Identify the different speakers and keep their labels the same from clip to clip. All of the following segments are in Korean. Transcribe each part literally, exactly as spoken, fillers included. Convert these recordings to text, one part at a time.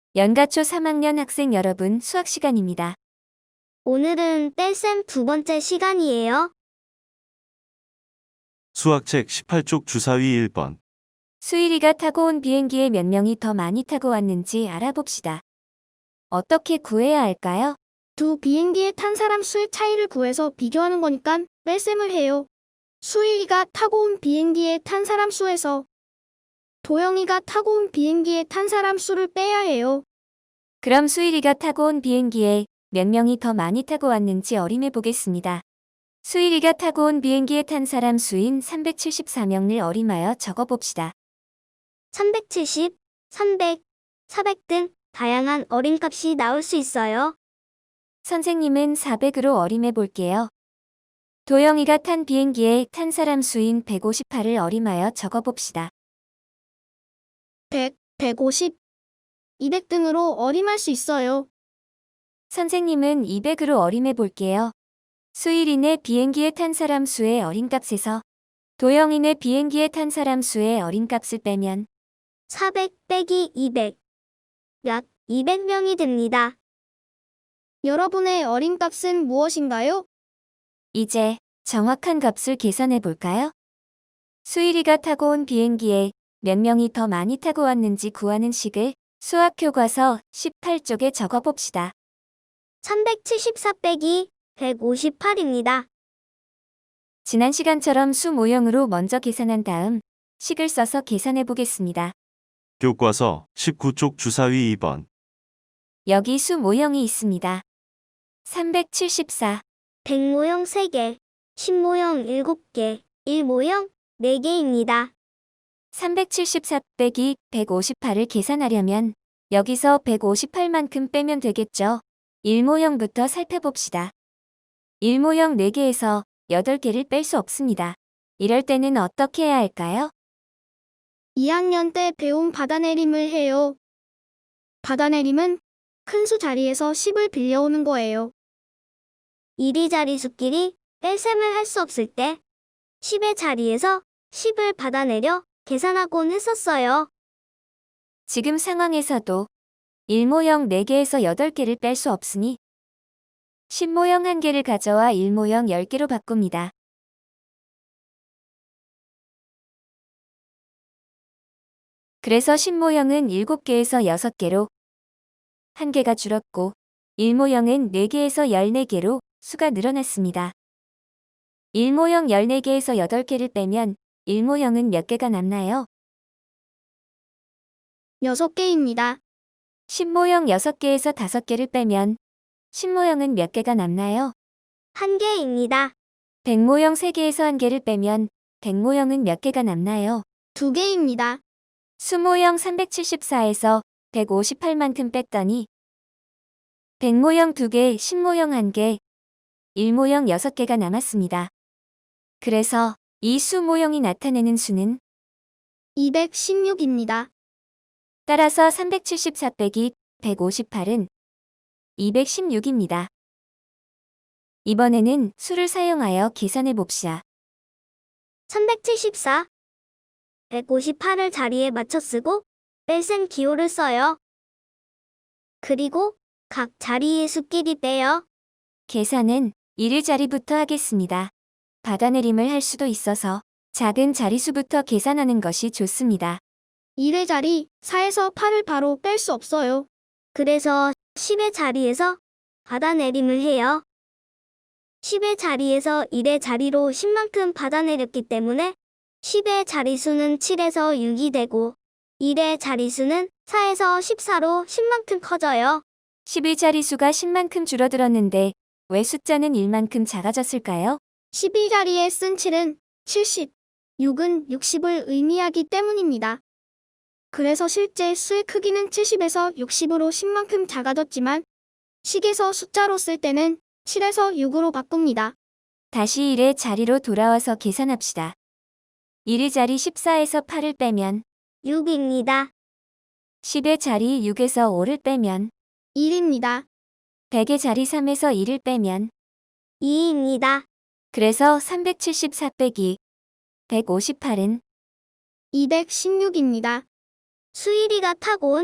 Speaker 1: 연가초 삼 학년 학생 여러분, 수학 시간입니다.
Speaker 2: 오늘은 뺄셈 두 번째 시간이에요.
Speaker 3: 수학책 십팔 쪽 주사위 일 번.
Speaker 1: 수일이가 타고 온 비행기에 몇 명이 더 많이 타고 왔는지 알아봅시다. 어떻게 구해야 할까요?
Speaker 4: 두 비행기에 탄 사람 수의 차이를 구해서 비교하는 거니까 뺄셈을 해요. 수일이가 타고 온 비행기에 탄 사람 수에서 도영이가 타고 온 비행기에 탄 사람 수를 빼야 해요.
Speaker 1: 그럼 수일이가 타고 온 비행기에 몇 명이 더 많이 타고 왔는지 어림해 보겠습니다. 수일이가 타고 온 비행기에 탄 사람 수인 삼백칠십사 명을 어림하여 적어봅시다.
Speaker 2: 삼백칠십, 삼백, 사백 등 다양한 어림값이 나올 수 있어요.
Speaker 1: 선생님은 사백으로 어림해 볼게요. 도영이가 탄 비행기에 탄 사람 수인 백오십팔을 어림하여 적어봅시다.
Speaker 4: 백, 백오십, 이백 등으로 어림할 수 있어요.
Speaker 1: 선생님은 이백으로 어림해 볼게요. 수일이네 비행기에 탄 사람 수의 어림값에서 도영이네 비행기에 탄 사람 수의 어림값을 빼면
Speaker 2: 사백 빼기 이백, 약 이백 명이 됩니다.
Speaker 4: 여러분의 어림값은 무엇인가요?
Speaker 1: 이제 정확한 값을 계산해 볼까요? 수일이가 타고 온 비행기에 몇 명이 더 많이 타고 왔는지 구하는 식을 수학 교과서 십팔 쪽에 적어봅시다.
Speaker 2: 삼백칠십사 빼기 백오십팔입니다.
Speaker 1: 지난 시간처럼 수 모형으로 먼저 계산한 다음 식을 써서 계산해 보겠습니다.
Speaker 3: 교과서 십구 쪽 주사위 이 번.
Speaker 1: 여기 수 모형이 있습니다. 삼백칠십사,
Speaker 2: 백 모형 세 개, 십 모형 일곱 개, 일 모형 네 개입니다.
Speaker 1: 삼백칠십사 빼기 백오십팔을 계산하려면 여기서 백오십팔만큼 빼면 되겠죠. 일 모형부터 살펴봅시다. 일 모형 네 개에서 여덟 개를 뺄 수 없습니다. 이럴 때는 어떻게 해야 할까요?
Speaker 4: 이 학년 때 배운 받아내림을 해요. 받아내림은 큰 수 자리에서 십을 빌려오는 거예요.
Speaker 2: 일이 자리수끼리 뺄셈을 할 수 없을 때 십의 자리에서 십을 받아내려 계산하곤 했었어요.
Speaker 1: 지금 상황에서도 일 모형 네 개에서 여덟 개를 뺄 수 없으니 십 모형 한 개를 가져와 일 모형 열 개로 바꿉니다. 그래서 십 모형은 일곱 개에서 여섯 개로 한 개가 줄었고 일 모형은 네 개에서 열네 개로 수가 늘어났습니다. 일 모형 열네 개에서 여덟 개를 빼면 일 모형은 몇 개가 남나요?
Speaker 4: 여섯 개입니다.
Speaker 1: 십 모형 여섯 개에서 다섯 개를 빼면 십 모형은 몇 개가 남나요?
Speaker 2: 한 개입니다.
Speaker 1: 백 모형 세 개에서 한 개를 빼면 백 모형은 몇 개가 남나요?
Speaker 4: 두 개입니다.
Speaker 1: 수 모형 삼백칠십사에서 백오십팔만큼 뺐더니 백 모형 두 개, 십 모형 한 개, 일 모형 여섯 개가 남았습니다. 그래서 이 수 모형이 나타내는 수는
Speaker 4: 이백십육입니다.
Speaker 1: 따라서 삼백칠십사 빼기 백오십팔은 이백십육입니다. 이번에는 수를 사용하여 계산해 봅시다.
Speaker 2: 삼백칠십사, 백오십팔을 자리에 맞춰 쓰고 뺄셈 기호를 써요. 그리고 각 자리의 수끼리 빼요. 계산은
Speaker 1: 일 자리부터 하겠습니다. 받아내림을 할 수도 있어서 작은 자리수부터 계산하는 것이 좋습니다.
Speaker 4: 일의 자리 사에서 팔을 바로 뺄 수 없어요.
Speaker 2: 그래서 십의 자리에서 받아내림을 해요. 십의 자리에서 일의 자리로 십만큼 받아내렸기 때문에 십의 자리수는 칠에서 육이 되고 일의 자리수는 사에서 십사로 십만큼 커져요.
Speaker 1: 십의 자리수가 십만큼 줄어들었는데 왜 숫자는 일만큼 작아졌을까요?
Speaker 4: 십이 자리에 쓴 칠은 칠십, 육은 육십을 의미하기 때문입니다. 그래서 실제 수의 크기는 칠십에서 육십으로 십만큼 작아졌지만 식에서 숫자로 쓸 때는 칠에서 육으로 바꿉니다.
Speaker 1: 다시 일의 자리로 돌아와서 계산합시다. 일의 자리 십사에서 팔을 빼면
Speaker 2: 육입니다.
Speaker 1: 십의 자리 육에서 오를 빼면
Speaker 4: 일입니다.
Speaker 1: 백의 자리 삼에서 일을 빼면
Speaker 2: 이입니다.
Speaker 1: 그래서 삼백칠십사 빼기 백오십팔은
Speaker 4: 이백십육입니다.
Speaker 2: 수일이가 타고 온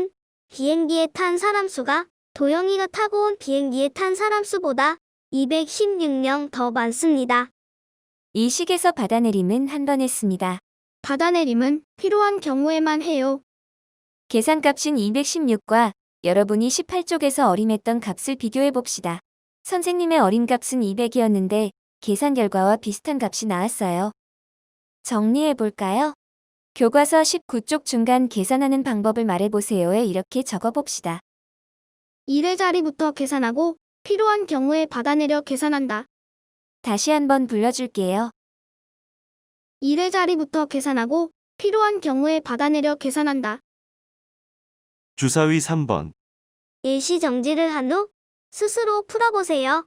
Speaker 2: 비행기에 탄 사람 수가 도영이가 타고 온 비행기에 탄 사람 수보다 이백십육 명 더 많습니다.
Speaker 1: 이 식에서 받아내림은 한 번 했습니다.
Speaker 4: 받아내림은 필요한 경우에만 해요.
Speaker 1: 계산값인 이백십육과 여러분이 십팔 쪽에서 어림했던 값을 비교해 봅시다. 선생님의 어림값은 이백이었는데 계산 결과와 비슷한 값이 나왔어요. 정리해 볼까요? 교과서 십구 쪽 중간 계산하는 방법을 말해보세요에 이렇게 적어봅시다.
Speaker 4: 일의 자리부터 계산하고 필요한 경우에 받아내려 계산한다.
Speaker 1: 다시 한번 불러줄게요.
Speaker 4: 일의 자리부터 계산하고 필요한 경우에 받아내려 계산한다.
Speaker 3: 주사위 삼 번.
Speaker 2: 일시정지를 한 후 스스로 풀어보세요.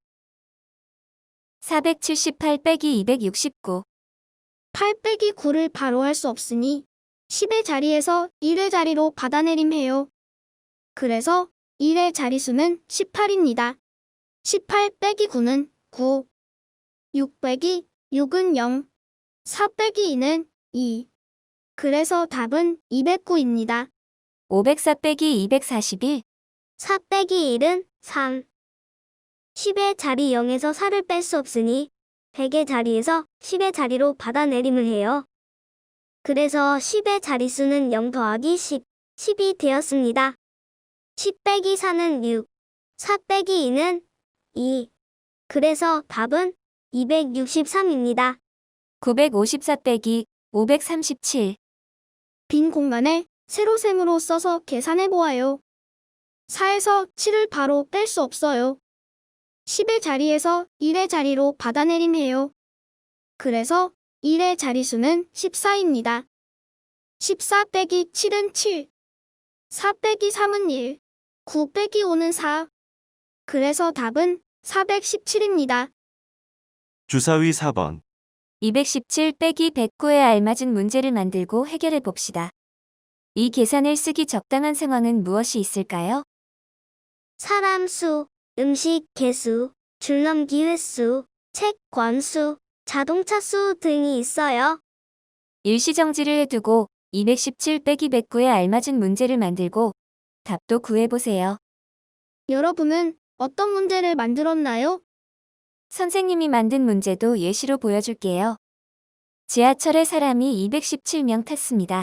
Speaker 1: 사백칠십팔 빼기 이백육십구.
Speaker 4: 팔 빼기 구를 바로 할 수 없으니 십의 자리에서 일의 자리로 받아내림해요. 그래서 일의 자리수는 십팔입니다. 십팔 빼기 구는 구. 육 빼기 육은 영. 사 빼기 이는 이. 그래서 답은 이백구입니다.
Speaker 1: 오백사 빼기 이백사십일.
Speaker 2: 사 빼기 일은 삼. 십의 자리 영에서 사를 뺄 수 없으니 백의 자리에서 십의 자리로 받아내림을 해요. 그래서 십의 자릿수는 영 더하기 십, 십이 되었습니다. 십 빼기 사는 육, 사 빼기 이는 이. 그래서 답은 이백육십삼입니다.
Speaker 1: 구백오십사 빼기 오백삼십칠.
Speaker 4: 빈 공간에 세로셈으로 써서 계산해 보아요. 사에서 칠을 바로 뺄 수 없어요. 십의 자리에서 일의 자리로 받아내림해요. 그래서 일의 자리수는 십사입니다. 십사 빼기 칠은 칠. 사 빼기 삼은 일. 구 빼기 오는 사. 그래서 답은 사백십칠입니다.
Speaker 3: 주사위 사 번.
Speaker 1: 이백십칠 빼기 백구에 알맞은 문제를 만들고 해결해 봅시다. 이 계산을 쓰기 적당한 상황은 무엇이 있을까요?
Speaker 2: 사람 수, 음식 개수, 줄넘기 횟수, 책 권수, 자동차 수 등이 있어요.
Speaker 1: 일시정지를 해두고 이백십칠 빼기 백구에 알맞은 문제를 만들고 답도 구해보세요.
Speaker 4: 여러분은 어떤 문제를 만들었나요?
Speaker 1: 선생님이 만든 문제도 예시로 보여줄게요. 지하철에 사람이 이백십칠 명 탔습니다.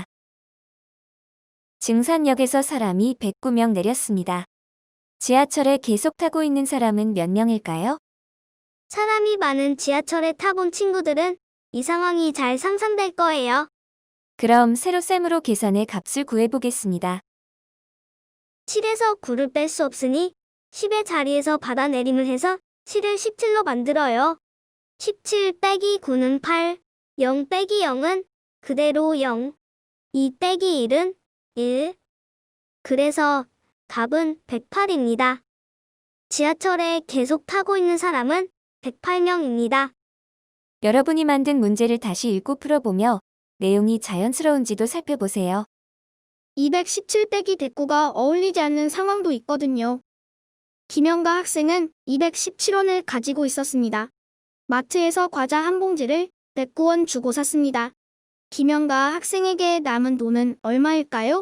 Speaker 1: 증산역에서 사람이 백구 명 내렸습니다. 지하철에 계속 타고 있는 사람은 몇 명일까요?
Speaker 2: 사람이 많은 지하철에 타본 친구들은 이 상황이 잘 상상될 거예요.
Speaker 1: 그럼 세로셈으로 계산해 값을 구해보겠습니다.
Speaker 2: 칠에서 구를 뺄 수 없으니 십의 자리에서 받아내림을 해서 칠을 십칠로 만들어요. 십칠 빼기 구는 팔, 영 빼기 영은 그대로 영, 이 빼기 일은 일. 그래서 답은 백팔입니다. 지하철에 계속 타고 있는 사람은 백팔 명입니다.
Speaker 1: 여러분이 만든 문제를 다시 읽고 풀어보며 내용이 자연스러운지도 살펴보세요.
Speaker 4: 이백십칠 빼기 백구가 어울리지 않는 상황도 있거든요. 김영가 학생은 이백십칠 원을 가지고 있었습니다. 마트에서 과자 한 봉지를 백구 원 주고 샀습니다. 김영가 학생에게 남은 돈은 얼마일까요?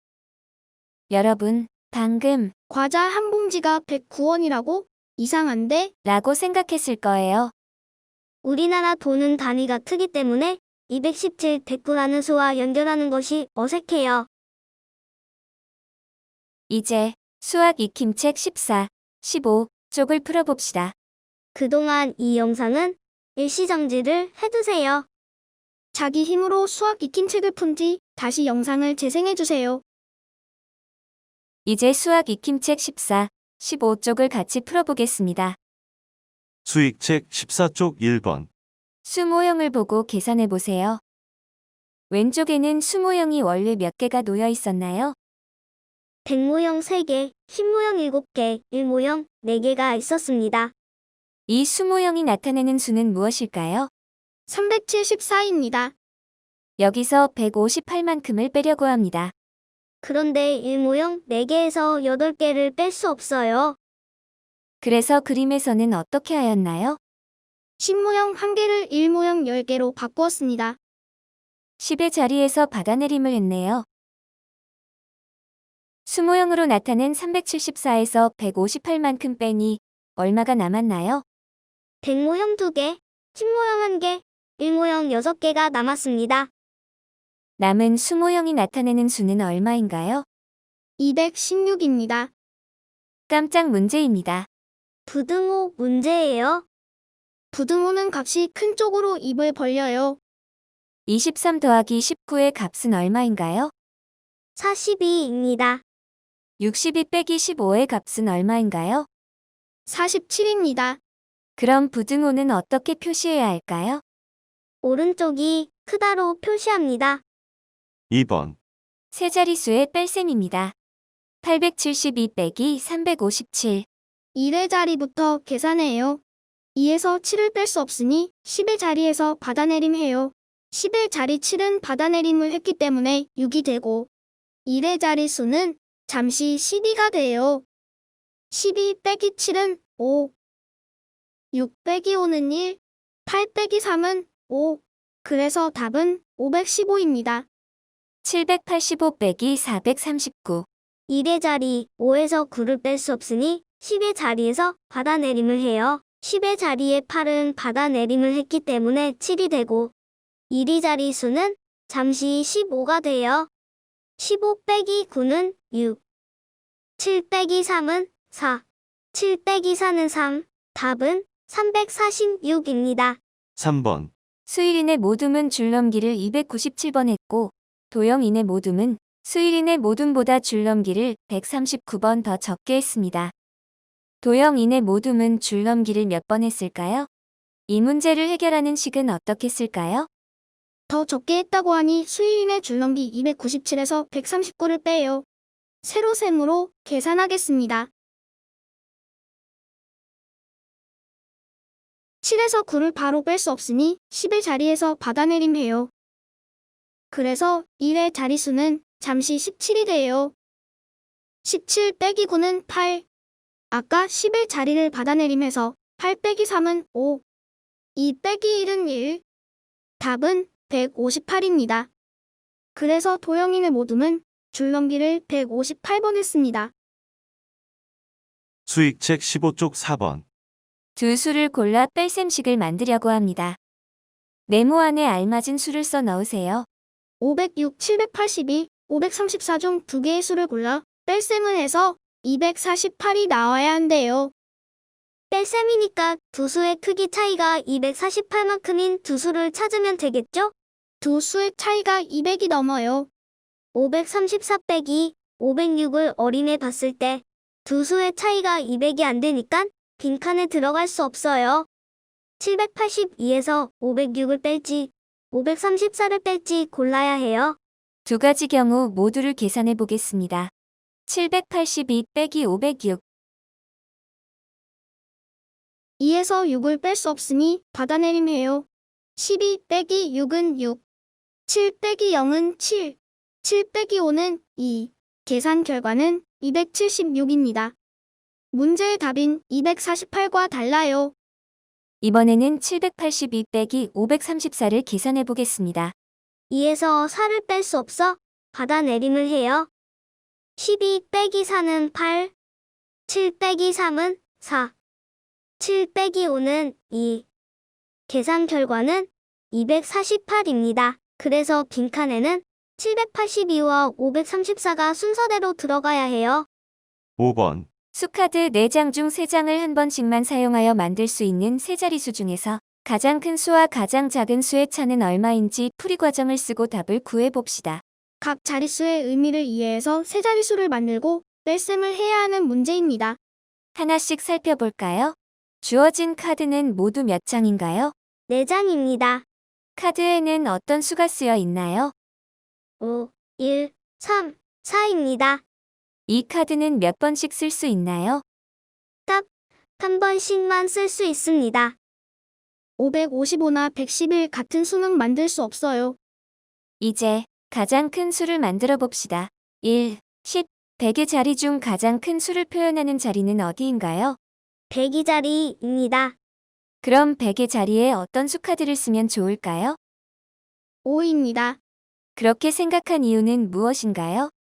Speaker 1: 여러분, 방금
Speaker 4: 과자 한 봉지가 백구 원이라고? 이상한데?
Speaker 1: 라고 생각했을 거예요.
Speaker 2: 우리나라 돈은 단위가 크기 때문에 이백십칠, 백구라는 수와 연결하는 것이 어색해요.
Speaker 1: 이제 수학 익힘책 십사, 십오 쪽을 풀어봅시다.
Speaker 2: 그동안 이 영상은 일시정지를 해두세요.
Speaker 4: 자기 힘으로 수학 익힘책을 푼 뒤 다시 영상을 재생해주세요.
Speaker 1: 이제 수학 익힘책 십사, 십오 쪽을 같이 풀어보겠습니다.
Speaker 3: 수익책 십사 쪽 일 번.
Speaker 1: 수 모형을 보고 계산해 보세요. 왼쪽에는 수 모형이 원래 몇 개가 놓여 있었나요?
Speaker 2: 백모형 세 개, 십모형 일곱 개, 일모형 네 개가 있었습니다.
Speaker 1: 이 수 모형이 나타내는 수는 무엇일까요?
Speaker 4: 삼백칠십사입니다.
Speaker 1: 여기서 백오십팔만큼을 빼려고 합니다.
Speaker 2: 그런데 일모형 네 개에서 여덟 개를 뺄 수 없어요.
Speaker 1: 그래서 그림에서는 어떻게 하였나요?
Speaker 4: 십모형 한 개를 일모형 열 개로 바꾸었습니다.
Speaker 1: 십의 자리에서 받아내림을 했네요. 수모형으로 나타낸 삼백칠십사에서 백오십팔만큼 빼니 얼마가 남았나요?
Speaker 2: 백모형 두 개, 십모형 한 개, 일모형 여섯 개가 남았습니다.
Speaker 1: 남은 수모형이 나타내는 수는 얼마인가요?
Speaker 4: 이백십육입니다.
Speaker 1: 깜짝 문제입니다.
Speaker 2: 부등호 문제예요.
Speaker 4: 부등호는 값이 큰 쪽으로 입을 벌려요.
Speaker 1: 이십삼 더하기 십구의 값은 얼마인가요?
Speaker 2: 사십이입니다.
Speaker 1: 육십이 빼기 십오의 값은 얼마인가요?
Speaker 4: 사십칠입니다.
Speaker 1: 그럼 부등호는 어떻게 표시해야 할까요?
Speaker 2: 오른쪽이 크다로 표시합니다.
Speaker 3: 이 번,
Speaker 1: 세 자릿수의 뺄셈입니다. 팔백칠십이 빼기 삼백오십칠.
Speaker 4: 일의 자리부터 계산해요. 이에서 칠을 뺄 수 없으니 십의 자리에서 받아내림해요. 십의 자리 칠은 받아내림을 했기 때문에 육이 되고 일의 자리 수는 잠시 십이가 돼요. 십이 빼기 칠은 오. 육 빼기 오는 일. 팔 빼기 삼은 오. 그래서 답은 오백십오입니다.
Speaker 1: 칠백팔십오 빼기 사백삼십구.
Speaker 2: 일의 자리 오에서 구를 뺄 수 없으니 십의 자리에서 받아내림을 해요. 십의 자리에 팔은 받아내림을 했기 때문에 칠이 되고 일의 자리 수는 잠시 십오가 돼요. 십오 빼기 구는 육. 칠 빼기 삼은 사. 칠 빼기 사는 삼. 답은 삼백사십육입니다.
Speaker 3: 삼 번,
Speaker 1: 수일인의 모둠은 줄넘기를 이백구십칠 번 했고 도영인의 모둠은 수일인의 모둠보다 줄넘기를 백삼십구 번 더 적게 했습니다. 도영인의 모둠은 줄넘기를 몇 번 했을까요? 이 문제를 해결하는 식은 어떻게 쓸까요?
Speaker 4: 더 적게 했다고 하니 수일인의 줄넘기 이백구십칠에서 백삼십구를 빼요. 세로셈으로 계산하겠습니다. 칠에서 구를 바로 뺄 수 없으니 십의 자리에서 받아내림해요. 그래서 일의 자리수는 잠시 십칠이 돼요. 십칠 빼기 구는 팔. 아까 십의 자리를 받아내림해서 팔 빼기 삼은 오. 이 빼기 일은 일. 답은 백오십팔입니다. 그래서 도영인의 모둠은 줄넘기를 백오십팔 번 했습니다.
Speaker 3: 수익책 십오 쪽 사 번,
Speaker 1: 두 수를 골라 뺄셈식을 만들려고 합니다. 네모 안에 알맞은 수를 써 넣으세요.
Speaker 4: 오백육, 칠백팔십이, 오백삼십사 중 두 개의 수를 골라 뺄셈을 해서 이백사십팔이 나와야 한대요.
Speaker 2: 뺄셈이니까 두 수의 크기 차이가 이백사십팔만큼인 두 수를 찾으면 되겠죠?
Speaker 4: 두 수의 차이가 이백이 넘어요.
Speaker 2: 오백삼십사 빼기 오백육을 어림해 봤을 때 두 수의 차이가 이백이 안 되니까 빈칸에 들어갈 수 없어요. 칠백팔십이에서 오백육을 뺄지 오백삼십사를 뺄지 골라야 해요.
Speaker 1: 두 가지 경우 모두를 계산해 보겠습니다. 칠백팔십이 빼기 오백육.
Speaker 4: 이에서 육을 뺄 수 없으니 받아내림해요. 십이 빼기 육은 육. 칠 빼기 영은 칠. 칠 빼기 오는 이. 계산 결과는 이백칠십육입니다. 문제의 답인 이백사십팔과 달라요.
Speaker 1: 이번에는 칠백팔십이 빼기 오백삼십사를 계산해 보겠습니다.
Speaker 2: 이에서 사를 뺄 수 없어 받아내림을 해요. 십이 빼기 사는 팔. 칠 빼기 삼은 사. 칠 빼기 오는 이. 계산 결과는 이백사십팔입니다. 그래서 빈칸에는 칠백팔십이와 오백삼십사가 순서대로 들어가야 해요.
Speaker 3: 오 번,
Speaker 1: 수카드 네 장 중 세 장을 한 번씩만 사용하여 만들 수 있는 세 자리수 중에서 가장 큰 수와 가장 작은 수의 차는 얼마인지 풀이 과정을 쓰고 답을 구해 봅시다.
Speaker 4: 각 자릿수의 의미를 이해해서 세 자릿수를 만들고 뺄셈을 해야 하는 문제입니다.
Speaker 1: 하나씩 살펴볼까요? 주어진 카드는 모두 몇 장인가요?
Speaker 2: 네 장입니다.
Speaker 1: 카드에는 어떤 수가 쓰여 있나요?
Speaker 2: 오, 일, 삼, 사입니다.
Speaker 1: 이 카드는 몇 번씩 쓸 수 있나요?
Speaker 2: 한 번씩만 쓸 수 있습니다.
Speaker 4: 오백오십오나 백십일 같은 수는 만들 수 없어요.
Speaker 1: 이제 가장 큰 수를 만들어 봅시다. 일, 십, 백의 자리 중 가장 큰 수를 표현하는 자리는 어디인가요?
Speaker 2: 백이 자리입니다.
Speaker 1: 그럼 백의 자리에 어떤 수 카드를 쓰면 좋을까요?
Speaker 4: 오입니다.
Speaker 1: 그렇게 생각한 이유는 무엇인가요?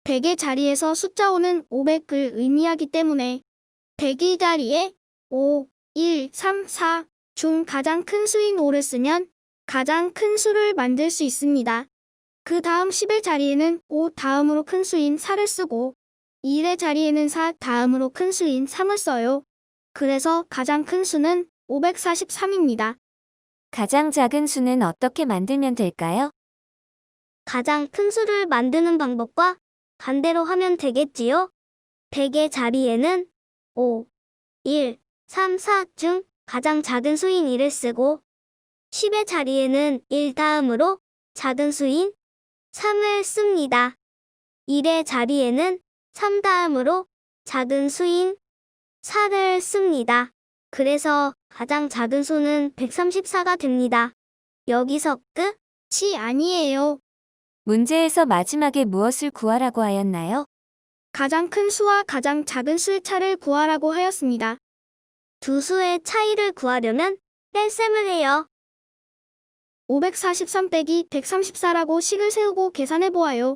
Speaker 4: 백의 자리에서 숫자 오는 오백을 의미하기 때문에 백의 자리에 오, 일, 삼, 사 중 가장 큰 수인 오를 쓰면 가장 큰 수를 만들 수 있습니다. 그 다음 십의 자리에는 오 다음으로 큰 수인 사를 쓰고 일의 자리에는 사 다음으로 큰 수인 삼을 써요. 그래서 가장 큰 수는 오백사십삼입니다.
Speaker 1: 가장 작은 수는 어떻게 만들면 될까요?
Speaker 2: 가장 큰 수를 만드는 방법과 반대로 하면 되겠지요? 백의 자리에는 오, 일, 삼, 사 중 가장 작은 수인 일을 쓰고 십의 자리에는 일 다음으로 작은 수인 삼을 씁니다. 일의 자리에는 삼 다음으로 작은 수인 사를 씁니다. 그래서 가장 작은 수는 백삼십사가 됩니다. 여기서 끝이 아니에요.
Speaker 1: 문제에서 마지막에 무엇을 구하라고 하였나요?
Speaker 4: 가장 큰 수와 가장 작은 수의 차를 구하라고 하였습니다.
Speaker 2: 두 수의 차이를 구하려면 뺄셈을 해요.
Speaker 4: 오백사십삼 빼기 백삼십사라고 식을 세우고 계산해 보아요.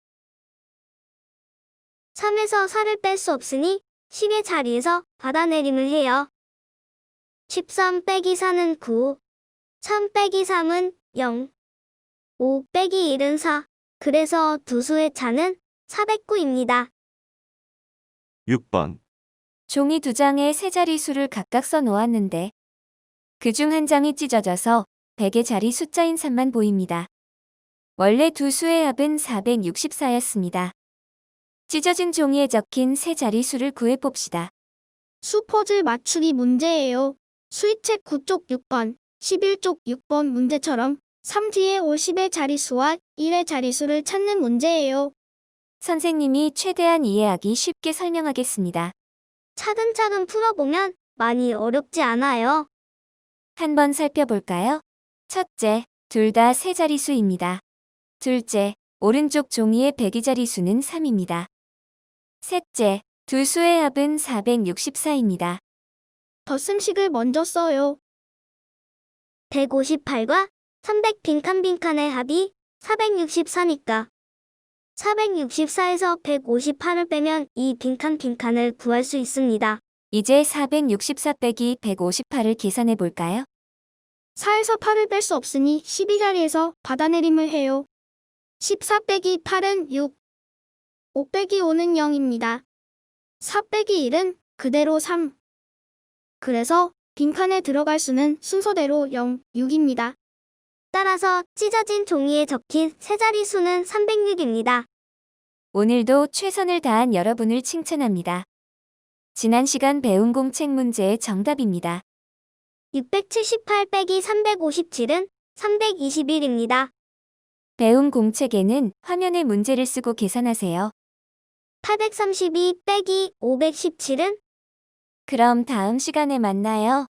Speaker 2: 삼에서 사를 뺄 수 없으니 십의 자리에서 받아내림을 해요. 십삼 빼기 사는 구, 삼 빼기 삼은 영, 오 빼기 일은 사. 그래서 두 수의 차는 사백구입니다.
Speaker 3: 육 번.
Speaker 1: 종이 두 장에 세 자리 수를 각각 써 놓았는데 그중 한 장이 찢어져서 백의 자리 숫자인 삼만 보입니다. 원래 두 수의 합은 사백육십사였습니다. 찢어진 종이에 적힌 세 자리 수를 구해 봅시다.
Speaker 4: 수 퍼즐 맞추기 문제예요. 수의책 구 쪽 육 번, 십일 쪽 육 번 문제처럼 삼 뒤에 올 십의 자릿수와 일의 자릿수를 찾는 문제예요.
Speaker 1: 선생님이 최대한 이해하기 쉽게 설명하겠습니다.
Speaker 2: 차근차근 풀어보면 많이 어렵지 않아요.
Speaker 1: 한번 살펴볼까요? 첫째, 둘 다 세 자리 수입니다. 둘째, 오른쪽 종이의 백의 자리 수는 삼입니다. 셋째, 두 수의 합은 사백육십사입니다.
Speaker 4: 덧셈식을 먼저 써요.
Speaker 2: 백오십팔과 삼백 빈칸빈칸의 합이 사백육십사니까 사백육십사에서 백오십팔을 빼면 이 빈칸빈칸을 구할 수 있습니다.
Speaker 1: 이제 사백육십사 빼기 백오십팔을 계산해 볼까요?
Speaker 4: 사에서 팔을 뺄 수 없으니 십이 자리에서 받아내림을 해요. 십사 빼기 팔은 육, 오 빼기 오는 영입니다. 사 빼기 일은 그대로 삼. 그래서 빈칸에 들어갈 수는 순서대로 영, 육입니다.
Speaker 2: 따라서 찢어진 종이에 적힌 세 자리 수는 삼백육입니다.
Speaker 1: 오늘도 최선을 다한 여러분을 칭찬합니다. 지난 시간 배운 공책 문제의 정답입니다.
Speaker 2: 육백칠십팔 빼기 삼백오십칠은 삼백이십일입니다.
Speaker 1: 배운 공책에는 화면의 문제를 쓰고 계산하세요.
Speaker 2: 팔백삼십이 빼기 오백십칠은
Speaker 1: 그럼 다음 시간에 만나요.